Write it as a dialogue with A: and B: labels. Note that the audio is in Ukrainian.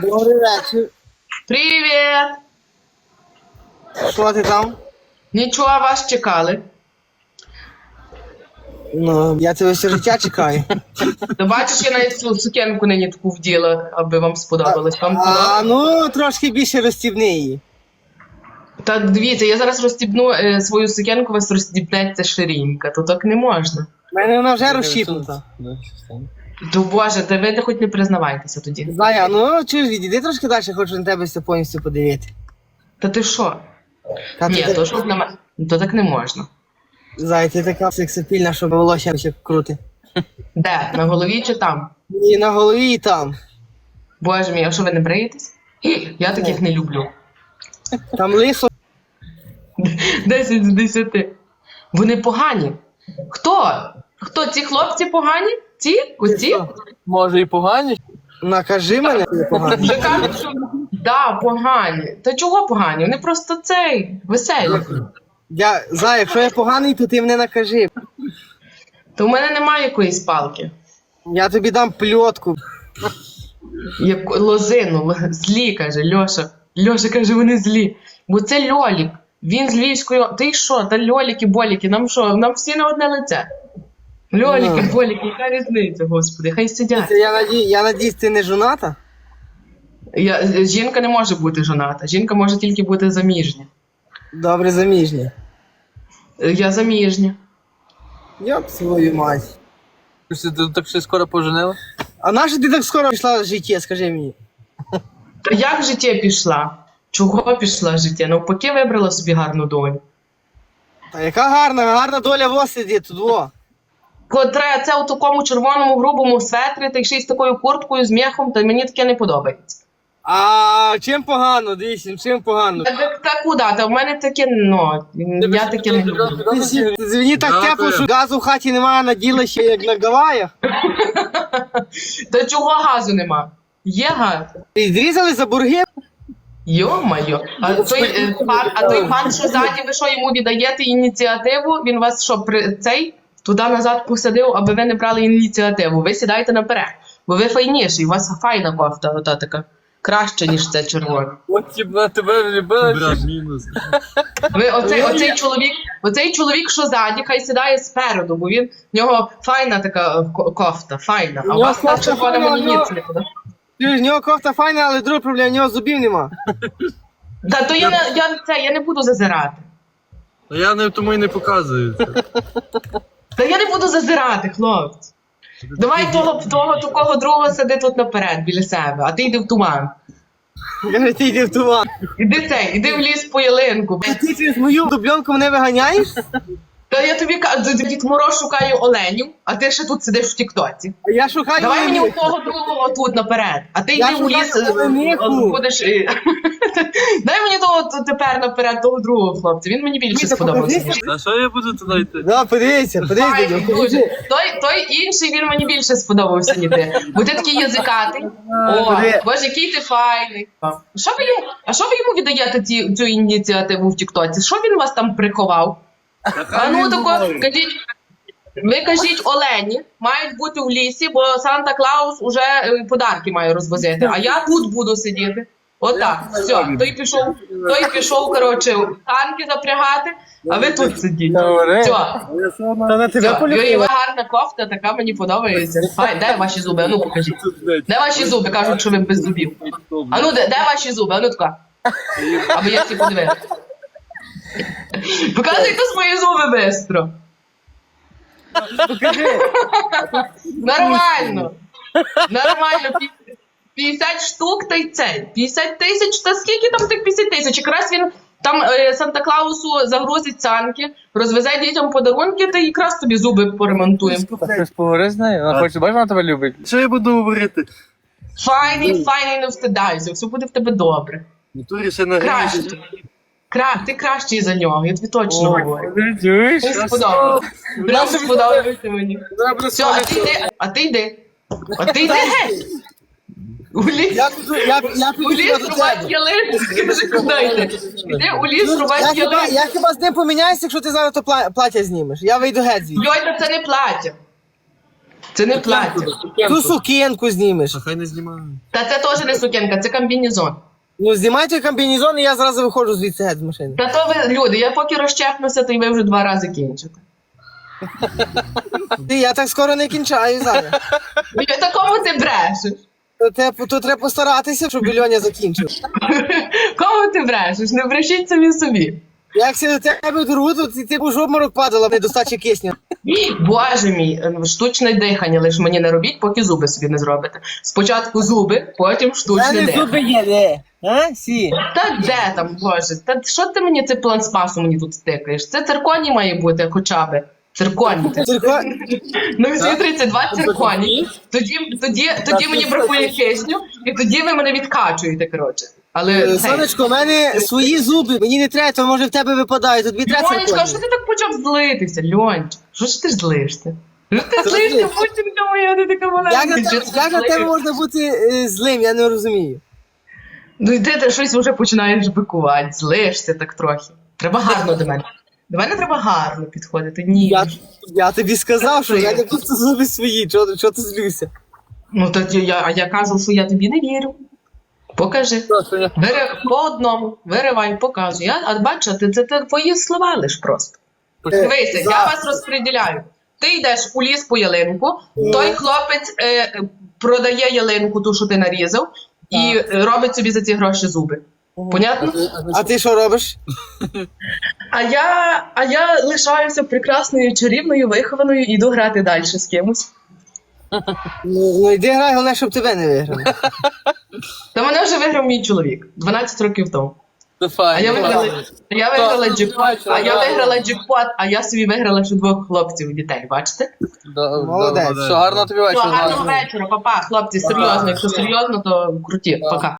A: Добрий вечір.
B: Привіт!
A: Що ти там?
B: Нічого, вас чекали.
A: Ну, я тебе все життя чекаю.
B: Ти бачиш, я навіть цю сукенку нині таку вділа, аби вам сподобалось. Вам подобалось?
A: Ну, трошки більше розстібни її.
B: Та дивіться, я зараз розстібну свою сукенку, вас розстібнеться ширинка, то так не можна.
A: У мене вона вже розщіпнута.
B: То боже, та ви хоч не признавайтеся тоді.
A: Зая, ну чуєш, відійди трошки далі, хочу на тебе все повністю подивити.
B: Та ти що?
A: Та
B: Ні,
A: ти-
B: то що на мене. То так не можна.
A: Зая, ти така сексапільна, що волосся ще крути.
B: Де? На голові чи там?
A: І на голові, і там.
B: Боже мій, а що ви не бриєтесь? Я таких не люблю.
A: Там лисо.
B: 10 з 10. Вони погані. Хто? Хто? Ці хлопці погані? Ці? Оці?
C: Може і погані?
A: Накажи мене, я погано.
B: Вже кажуть, що да, погані. Та чого погані? Вони просто веселі.
A: Зая, якщо я поганий, то ти мене накажи.
B: То в мене немає якоїсь палки.
A: Я тобі дам пльотку.
B: Як лозину, злі, каже Льоша. Льоша каже, вони злі. Бо це Льолік. Він з Львівської. Ти що? Та Льоліки, боліки, нам що? Нам всі на одне лице. Льоліки, боліки, яка різниця, господи, хай сидять.
A: Я надіюсь, ти не жоната?
B: Жінка не може бути жоната. Жінка може тільки бути заміжня.
A: Добре, заміжня.
B: Я заміжня.
A: Йоп, свою мать.
C: Ти так ще скоро поженила?
A: А наша ти так скоро пішла в життя, скажи мені?
B: Та як життя пішла? Чого пішла життя? Навпаки вибрала собі гарну долю.
A: Та яка гарна доля в вас сидить тут, во.
B: Котре це у такому червоному грубому светрі, та ще й з такою курткою, з м'яхом, та мені таке не подобається.
A: А чим погано, дивіться, чим погано?
B: Та куди? Та в мене таке, ну, я таке не люблю.
A: Мені так тепло, що газу в хаті немає, наділа ще як на Гаваях.
B: Та чого газу нема? Є газ.
A: І зрізали за бурги?
B: Йо-майо. А той пан, що ззаді, ви що йому віддаєте ініціативу, він вас що, туди-назад посадив, аби ви не брали ініціативу. Ви сідаєте наперед, бо ви файніші, у вас файна кофта, ота така. Краще, ніж це червона.
C: От на тебе влюбила.
D: Брат, мінус.
B: Оцей чоловік, що ззаді, хай сідає спереду, бо в нього файна така кофта, файна. А у вас та червона мені ніц не подобається.
A: В нього кофта файна, але друга проблема, в нього зубів нема.
B: Та то я не буду зазирати.
D: Та я не тому і не показую це.
B: Та я не буду зазирати, хлопці. Давай того такого другого сиди тут наперед, біля себе, а ти йди в туман.
A: Каже, ти йди в туман.
B: Іди в ліс по ялинку.
A: А ти через мою дубльонку мене виганяєш?
B: Та я тобі кажу, Дід Мороз шукає оленів, а ти ще тут сидиш в тіктоці.
A: А я шукаю...
B: Давай мені у того другого тут наперед, а ти
A: Я
B: йди у ліс,
A: шукаю олениху.
B: будеш... Дай мені того тепер наперед, того другого хлопця, він мені більше сподобався.
D: Та що я буду туди йти?
A: Да, подивися,
B: Файний
A: дядько,
B: дуже.
A: подивися.
B: Той інший, він мені більше сподобався, ніж ти. Бо ти такий язикатий. О, боже, який ти файний. А що ви йому віддаєте цю ініціативу в тіктоці? Що він вас там приховав? А ну тако, ви кажіть, олені мають бути в лісі, бо Санта-Клаус уже подарки має розвозити, а я тут буду сидіти. Отак, все, той пішов, коротше, танки запрягати, а ви тут сидіть. Все.
A: Та на тебе полюбила.
B: Гарна кофта, така мені подобається. Де ваші зуби? А ну покажіть. Де ваші зуби? Кажуть, що ви без зубів. А ну, де ваші зуби? А ну така. Аби я всі подивилася. Показуйте свої зуби бистро.
A: Покажи.
B: Нормально. 50 штук та й цей. 50 тисяч, та скільки там тих 50 тисяч? Якраз він там Санта-Клаусу загрузить санки, розвезе дітям подарунки, та якраз тобі зуби поремонтуємо.
C: Щось поговори з нею? Вона хоче, бачиш, вона тебе любить.
D: Що я буду говорити?
B: Файний, не встидайся, все буде в тебе добре.
D: В натурі ще на
B: Краще. Ти кращий за нього, я тобі точно говорю.
C: Чуєш?
B: Мені сподобалося. Прям сподобається мені. Все, а ти йди геть. У ліс рубати ялинку. Скажи, куди йти? Іди у ліс рубати ялинку.
A: Я хіба з ним поміняюся, якщо ти зараз то плаття знімеш. Я вийду геть звідси.
B: Йой, та це не плаття. Це не плаття.
A: Ту сукенку знімеш.
D: А хай не знімаю.
B: Та це теж не сукенка, це комбінезон.
A: Ну, знімайте комбінезон, і я зразу виходжу звідси геть з машини.
B: Та то ви, люди, я поки розчепнуся, то й ви вже 2 рази кінчите.
A: Я так скоро не кінчаю зараз.
B: І такому ти брешеш.
A: То треба постаратися, щоб Льоня закінчив.
B: Кому ти брешеш? Не брешіть самі собі.
A: Якщо до тебе дорогу, то ти будеш в обморок падала, недостача кисня.
B: Боже мій, штучне дихання лиш мені не робіть, поки зуби собі не зробите. Спочатку зуби, потім штучне дихання.
A: є, де? А? Сі.
B: Та де там, боже? Та що ти мені цей план спасу мені тут стикаєш? Це цирконій має бути хоча б. Цирконій. Ну, всі 32 цирконі. Тоді мені бракує кисню, і тоді ви мене відкачуєте, коротше. Але
A: Сонечко, у мене свої зуби, мені не треба, то може в тебе випадає, то тобі треба
B: Льонечка,
A: цирконі.
B: що ти так почав злитися, Льончик? Що ж ти злишся? Що ти злишся, Путінка моя, ти така маленька.
A: Як на тебе можна бути злим, я не розумію.
B: Ну йди, ти щось вже починаєш бикувати, злишся так трохи. Треба гарно до мене. До мене треба гарно підходити. Ні.
A: Я тобі сказав, що я не просто зуби свої, чого ти злюся?
B: Ну тоді я кажу, що я тобі не вірю. Покажи. По одному, виривай, показуй. А бачу, це твої слова лиш просто. Дивися, я вас розподіляю. Ти йдеш у ліс по ялинку, той хлопець продає ялинку, ту, що ти нарізав, і робить собі за ці гроші зуби. Понятно?
A: А ти що робиш?
B: А я лишаюся прекрасною, чарівною, вихованою і йду грати далі з кимось.
A: Ну йди грай, головне, щоб тебе не виграли.
B: Та мене вже виграв мій чоловік 12 років тому.
C: Це
B: А
C: файно.
B: я виграла джекпот, а я собі виграла ще 2 хлопців і дітей, бачите?
A: Молодець.
C: Все, гарно тобі
B: Все,
C: вечора.
B: гарного вечора, папа, хлопці, серйозно, якщо серйозно, то круті, пока.